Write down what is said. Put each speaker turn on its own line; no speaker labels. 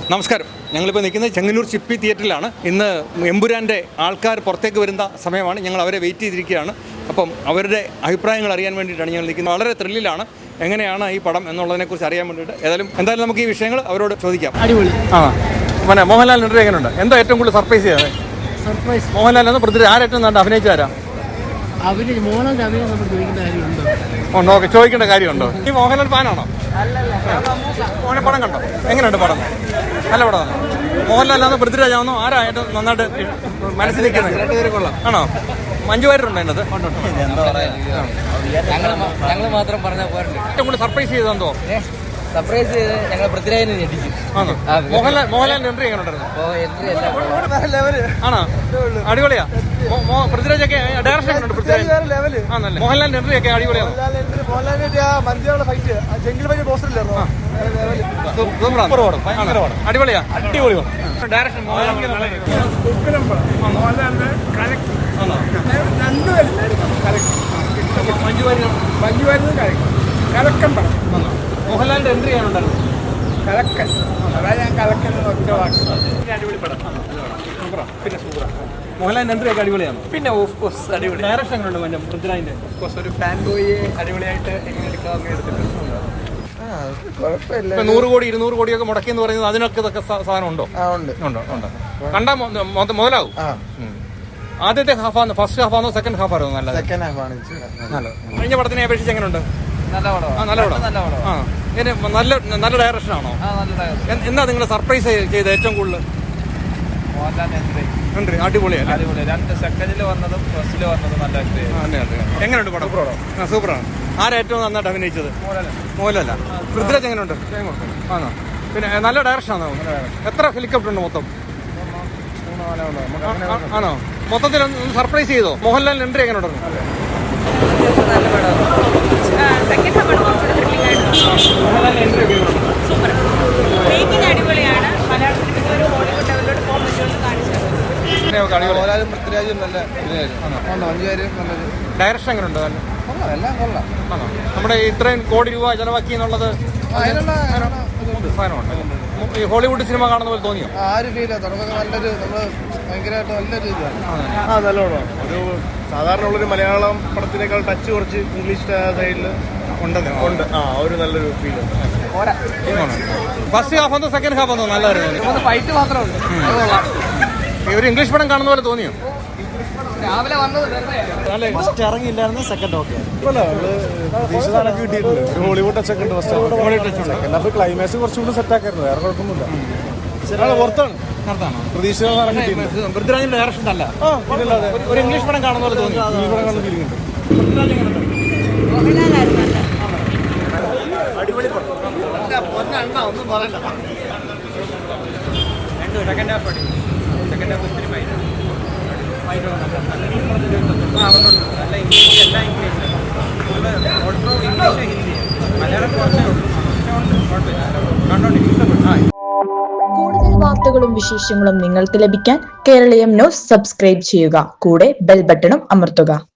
നമസ്കാരം. ഞങ്ങളിപ്പോൾ നിൽക്കുന്നത് ചെങ്ങന്നൂർ ചിപ്പി തിയേറ്ററിലാണ്. ഇന്ന് എമ്പുരാൻ്റെ ആൾക്കാർ പുറത്തേക്ക് വരുന്ന സമയമാണ്. ഞങ്ങൾ അവരെ വെയിറ്റ് ചെയ്തിരിക്കുകയാണ്. അപ്പം അവരുടെ അഭിപ്രായങ്ങൾ അറിയാൻ വേണ്ടിയിട്ടാണ് ഞങ്ങൾ നിൽക്കുന്നത്. വളരെ ത്രില്ലിലാണ്. എങ്ങനെയാണ് ഈ പടം എന്നുള്ളതിനെക്കുറിച്ച് അറിയാൻ വേണ്ടിയിട്ട് എന്തായാലും നമുക്ക് ഈ വിഷയങ്ങൾ അവരോട് ചോദിക്കാം.
അടിപൊളി.
പിന്നെ മോഹൻലാൽ എൻട്രി എങ്ങനെയുണ്ട്? എന്താ ഏറ്റവും കൂടുതൽ സർപ്രൈസ് ചെയ്യാതെ?
സർപ്രൈസ്
മോഹൻലാൽ എന്ന് പൃഥ്വി ആരേറ്റവും നല്ല അഭിനയിച്ചാരാ?
മോഹൻലാലിന്റെ അഭിനയം നമ്മൾ ചോദിക്കേണ്ട കാര്യമുണ്ടോ?
ഓക്കെ, ചോദിക്കേണ്ട കാര്യമുണ്ടോ? ഈ മോഹൻലാൽ ഫാനാണോ? പടം കണ്ടോ? എങ്ങനെയുണ്ട് പടം? നല്ല പടമാണ്. മോഹൻലാലാണോ പൃഥ്വിരാജാണോ ആരാ ഏറ്റവും നന്നായിട്ട് മനസ്സിൽ നിൽക്കുന്നത്? ആണോ? മഞ്ജു വാര്യരുണ്ടോ അതിനകത്ത്?
ഞങ്ങൾ മാത്രം പറഞ്ഞാൽ പോരല്ലോ.
ഏറ്റവും കൂടുതൽ സർപ്രൈസ് ചെയ്തെന്തോ?
സർപ്രൈസ് ചെയ്ത് ഞങ്ങൾ പൃഥ്വിരാജിനെ ഞെട്ടിച്ചു.
മോഹൻലാലിന്റെ എൻട്രി എങ്ങനെയുണ്ടായിരുന്നു? ആണോ? അടിപൊളിയാ. പൃഥ്വിരാജൊക്കെ ഡയറക്ഷൻ എങ്ങനെയുണ്ട്? പൃഥ്വിരാജ് ആണല്ലേ? മോഹൻലാലിന്റെ എൻട്രി ഒക്കെ അടിപൊളിയാണ്. അടിപൊളിയാ. അടിപൊളി ഡയറക്ഷൻ. മോഹൻലാലിന്റെ എൻട്രി ചെയ്യാനുണ്ടായിരുന്നു.
കലക്കൻ. അതാ ഞാൻ കലക്കൻ ഒറ്റ വാക്ക്.
അടിപൊളി പടം. പിന്നെ സൂപ്പർ. മോഹൻലാലിന്റെ എൻട്രി ഒക്കെ അടിപൊളിയാണ്. പിന്നെ ഓഫ് കോഴ്സ് അടിപൊളി. ഡയറക്ഷൻ എങ്ങനെയുണ്ട് പൃഥ്വിരാജിന്റെ? ഓഫ് കോഴ്സ് ഒരു ഫാൻ ബോയിയെ അടിപൊളിയായിട്ട് എങ്ങനെ എടുക്കാമെന്ന് എടുത്തിട്ടുണ്ട്. 100 കോടി 200 കോടിയൊക്കെ മുടക്കിയെന്ന് പറയുന്നത് അതിനൊക്കെ ഇതൊക്കെ സാധനം ഉണ്ടോ? കണ്ടാ മുതലാവും. ആദ്യത്തെ ഹാഫാണ്, ഫസ്റ്റ് ഹാഫാണോ സെക്കൻഡ് ഹാഫാണോ നല്ലത്? നല്ലത്. കഴിഞ്ഞ പടത്തിനെ അപേക്ഷിച്ച് എങ്ങനെയുണ്ട്?
നല്ല പടം.
നല്ല ഡയറക്ഷൻ ആണോ? എന്താ നിങ്ങൾ സർപ്രൈസ് ചെയ്ത് ഏറ്റവും കൂടുതൽ? അടിപൊളിയാണ്.
2 സെക്കൻഡിൽ വന്നതും ഫസ്റ്റിൽ വന്നതും നല്ല.
എങ്ങനെയുണ്ട് പടം? സൂപ്പറാണ്. ആരാ ഏറ്റവും നന്നായിട്ട് അഭിനയിച്ചത്? മോഹൻലാല. പൃഥ്വിരാജ് എങ്ങനെയുണ്ട്? ആണോ? പിന്നെ നല്ല ഡയറക്ഷൻ ആണോ? എത്ര ഹെലികോപ്റ്റർ ഉണ്ട് മൊത്തം? ആണോ? മൊത്തത്തിൽ സർപ്രൈസ് ചെയ്തോ? മോഹൻലാലിന്റെ എൻട്രി എങ്ങനെ ഉണ്ടായിരുന്നു? ഡയറക്ഷൻ എങ്ങനെയുണ്ട്? നമ്മുടെ ഇത്രയും കോടി രൂപ ചെലവാക്കി എന്നുള്ളത് ഈ ഹോളിവുഡ് സിനിമ കാണുന്ന പോലെ തോന്നിയോ?
ഒരു സാധാരണ ഉള്ളൊരു മലയാളം പടത്തിനേക്കാൾ ടച്ച് കുറച്ച് ഇംഗ്ലീഷ് സൈഡിൽ ഉണ്ട്. ഒരു നല്ലൊരു ഫീൽ.
ഫസ്റ്റ് ഹാഫ് ആണോ സെക്കൻഡ് ഹാഫ് ആണോ നല്ലതായിരുന്നു?
ഫൈറ്റ് മാത്രമുണ്ട്.
ഒരു ഇംഗ്ലീഷ് പടം കാണുന്ന പോലെ തോന്നിയോ?
രാവിലെ വന്നത്
ഫസ്റ്റ് ഇറങ്ങിയില്ലായിരുന്നു. സെക്കൻഡ് ഓക്കെ പ്രതീക്ഷിതാനൊക്കെ കിട്ടിയിട്ടുണ്ട്. ഒരു ഹോളിവുഡ് ടച്ച് ഒക്കെ ഉണ്ട്. സെക്കൻഡ് ഹാഫ് ക്ലൈമാക്സ് കുറച്ചുകൂടി സെറ്റ് ആക്കായിരുന്നു. വേറെ കുഴപ്പമൊന്നുമില്ല. പുറത്താണ് പ്രതീക്ഷിതാനം കിട്ടിയിട്ടുണ്ട്.
പൃഥ്വിരാജിന്റെ ഡയറക്ഷൻ അല്ല, ഒരു ഇംഗ്ലീഷ് പടം കാണുന്ന പോലെ തോന്നി.
ഇംഗ്ലീഷ് പടം കാണുന്ന ഫീലിംഗ് ഉണ്ട്.
അടിപൊളി പടം. ഒന്നും പറയണ്ട. സെക്കൻഡ് ഹാഫ് ഒത്തിരി നല്ല ഇംഗ്ലീഷ്, എല്ലാ ഇംഗ്ലീഷ് ഹിന്ദി, മലയാളം കുറച്ചേ ഉള്ളൂ.
കൂടുതൽ വാർത്തകളും വിശേഷങ്ങളും നിങ്ങൾക്ക് ലഭിക്കാൻ കേരളീയം ന്യൂസ് സബ്സ്ക്രൈബ് ചെയ്യുക. കൂടെ ബെൽ ബട്ടണും അമർത്തുക.